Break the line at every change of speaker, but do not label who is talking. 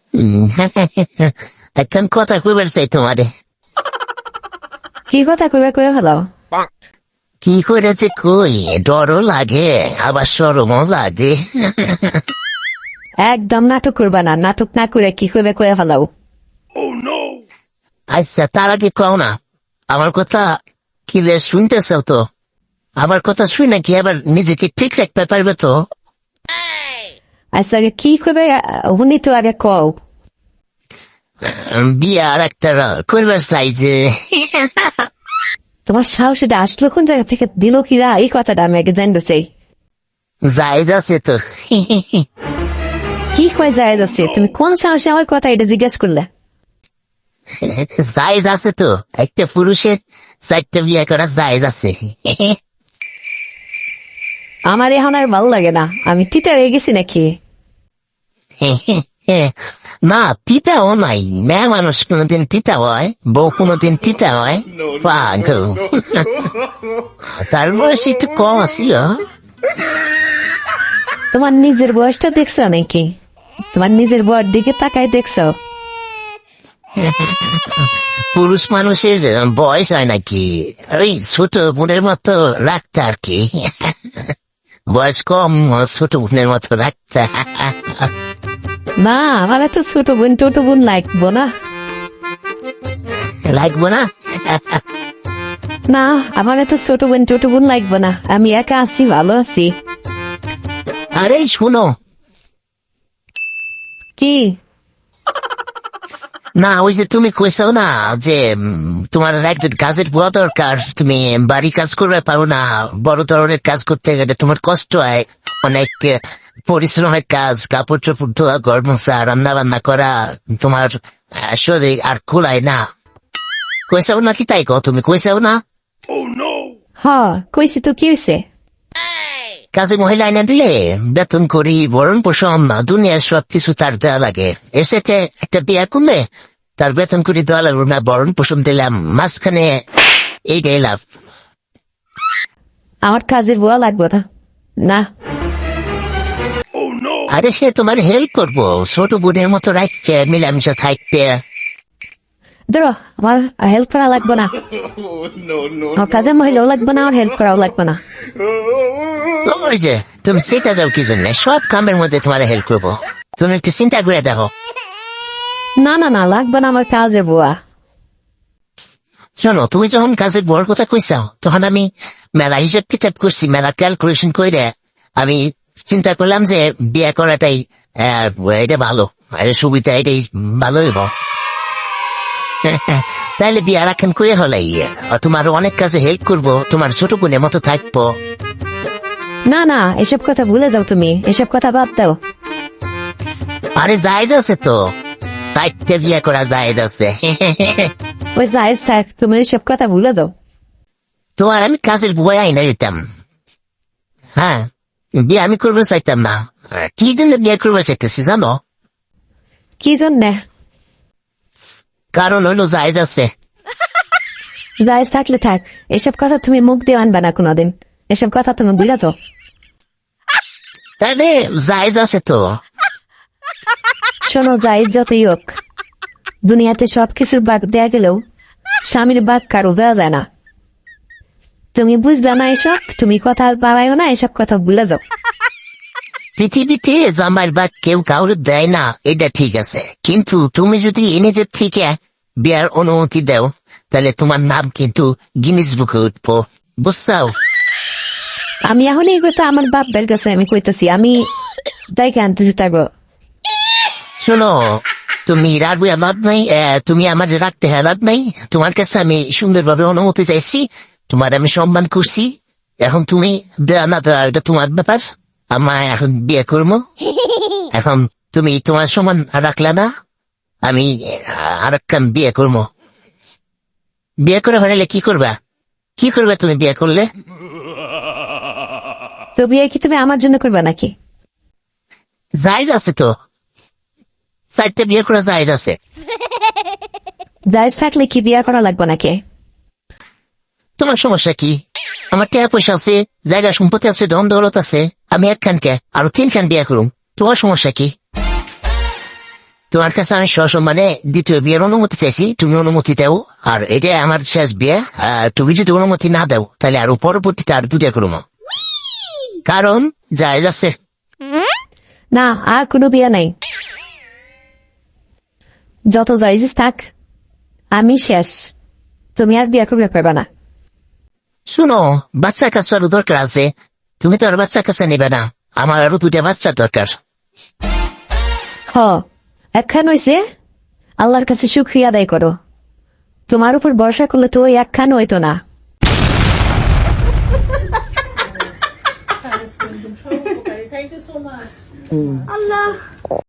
এখন কথা কইবার চাই তোমারে।
কি কথা কইবা কইয়া ফেলাও।
কি করেছে কই, ডরও লাগে আবার শরমও লাগে।
একদম নাটক করবা না, নাটক না করে কি কইবা কইয়া ফেলাও।
আচ্ছা তার আগে কও না, আমার কথা কিলে শুনতেছ তো? আমার কথা শুনে কি আবার নিজেকে ঠিক রাখতে পারবে তো?
আচ্ছা আগে কি কইবে হুনি তো আগে কও।
বিয়ে আর একটা করবার চাই যে।
তোমার সাহস এটা আসলো কোন জায়গা থেকে, দিল কিরা এই কথাটা আমি আগে জানতে চাই।
জায়েজ আছে তো।
কি কয় জায়েজ আছে? তুমি কোন সাহসে আমার কথা এটা জিজ্ঞেস করলে?
জায়েজ আছে তো, একটা পুরুষের 4টা বিয়ে করা জায়েজ আছে।
আমার এখন আর ভালো লাগে না, আমি তিতা হয়ে গেছি নাকি?
না তিতাও নাই, মেয়ে মানুষ কোনোদিন তিতা হয়, বউ কোনোদিন তিতা হয়? পাগল। তার বয়স একটু কম আছিল।
তোমার নিজের বয়সটা দেখছো নাকি? তোমার নিজের বয়স দিকে তাকাই দেখছো?
পুরুষ মানুষের বয়স হয় নাকি, ওই ছোট বোনের মতো রাখতে আর কি। বয়স কম, ছোট বোনের মতো রাখতে।
না আমার এত ছোট বোন টোট বোন লাগবো না।
লাগবো না?
না আমার এত ছোট বোন টোট বোন লাগবো না, আমি একা আছি, ভালো আছি।
আরে শুনো
কি?
না, ওই যে তুমি কইছো না যে তোমার একজন কাজের বুয়া দরকার, তুমি বাড়ি কাজ করবে পারো না, বড় ধরনের কাজ করতে গেলে তোমার কষ্ট হয় অনেক, পরিশ্রমের কাজ, কাপড় চোপড় ধোয়া, ঘর মোছা, রান্না বান্না করা, তোমার শরীর আর কুলায় না। কইসাও নাকি তাই কও, তুমি কইসাও না?
হ কইছি তো, কি হয়েছে?
কাজে মহিলা এনে দিলে বেতন করি, ভরণ পোষণ, দুনিয়ার সব কিছু তার দেওয়া লাগে। এর সাথে একটা বিয়ে করলে তার বেতন করি দেওয়া লাগলো না, ভরণ পোষণ দিলাম, মাঝখানে এইটাই লাভ।
আমার কাজের বুয়া লাগবো না। না
আরে সে তোমার হেল্প করবো, ছোট বোনের মতো রাখতে, মিলামিশা থাকতে।
ধরো আমার হেল্প করা লাগবো না, আমার কাজের মহিলাও লাগবো না, আমার হেল্প করাও লাগবো না।
ওই যে তুমি সেটা যাও কি জন্য, সব কামের মধ্যে তোমার হেল্প করবো, তুমি একটু চিন্তা করে দেখো।
না না না লাগবে না আমার কাজের বুয়া।
শোনো, তুমি যখন কাজের বড় কথা কইসাও তখন আমি মেলা হিসাব কিতাব করছি, মেলা ক্যালকুলেশন করে আমি চিন্তা করলাম যে বিয়ে করাটাই এটা ভালো, সুবিধা, এটাই ভালো হইব। তাইলে বিয়ে রাখেন করে হলাই, তোমার অনেক কাজে হেল্প করবো, তোমার ছোট বোনের মতো থাকবো।
না না এসব কথা ভুলে যাও, তুমি এসব কথা বাদ দাও।
আরে জায়েজ আছে তো, 4টা বিয়ে করা জায়েজ আছে।
ওই জায়েজ থাক, তুমি এসব কথা ভুলে যাও।
তোমার আমি কাজের বই আইনা দিতাম। হ্যাঁ, বিয়ে আমি করবো চাইতাম না। কি জন্য বিয়ে করবো চাইতেছি জানো?
কি জন্যে?
কারণ হইলো জায়েজ আছে।
জায়েজ থাকলে থাক, এসব কথা তুমি মুখ দিয়ে আনবে না কোনোদিন, এসব কথা তুমি ভুলে যাও।
তাহলে জায়েজ আছে তো।
শোনো, জায়েজ যতই হোক, দুনিয়াতে সবকিছু বাগ দেয়া গেলেও স্বামীর বাগ কারো দেওয়া যায় না। তুমি বুঝবে না এসব, তুমি কথা বাড়াইও না, এসব কথা ভুলে যাও।
পৃথিবীতে জামাইয়ের বাগ কেউ কাউরে দেয় না, এটা ঠিক আছে, কিন্তু তুমি যদি নিজের থেকে বিয়ার অনুমতি দাও তাহলে তোমার নাম কিন্তু গিনিস বুকে উঠবো, বুঝছাও?
আমি এখন এই কথা আমার বাপ বের কাছে আমি কইতেছি, আমি দেখে আনতেছি তারপর।
শোনো, তুমি রাখবে লাভ নাই, তুমি আমার রাখতে লাভ নাই। তোমার কাছে আমি সুন্দরভাবে অনুমতি চাইছি, তোমার আমি সম্মান করছি, এখন তুমি দেয়া না দেওয়া এটা তোমার ব্যাপার। আমার এখন বিয়ে করবো, এখন তুমি তোমার সমান রাখলে না, আমি আর একটা বিয়ে করবো। বিয়ে করে হলে কি করবা, কি করবে তুমি বিয়ে করলে?
তো বিয়ে কি তুমি আমার জন্য করবে নাকি?
জায়েজ আছে তো, 4টা বিয়ে করা জায়েজ আছে।
জায়েজ থাকলে কি বিয়ে করা লাগবে নাকি?
তোমার সমস্যা কি? আমার টাকা পয়সা আছে, জায়গা সম্পত্তি আছে, ধন দৌলত আছে, আমি একখানকে আরো 3খান বিয়ে করুম, তোমার সমস্যা কি? তোমার কাছে আমি সসম্মানে দ্বিতীয় বিয়ের অনুমতি চাইছি, তুমি অনুমতি দাও। আর এটা আমার শেষ বিয়ে, তুমি যদি অনুমতি না দাও তাহলে আরো পরবর্তীতে আর দুটা করবো, কারণ যায় যাচ্ছে।
না, আর কোনো বিয়ে নাই। যত জায়জিস থাক, আমি শেষ। তুমি আর বিয়ে করবে পারবে না।
শুনো, বাচ্চা কাচ্চারও দরকার আছে, তুমি তো আর বাচ্চা কাচ্চা নেবে না, আমার আরো দুটা বাচ্চার দরকার।
হ, একখান হইছে, আল্লাহর কাছে শুকরিয়া আদায় করো। তোমার উপর ভরসা করলে তো ওই একখান হইতো না।
Thank you so much.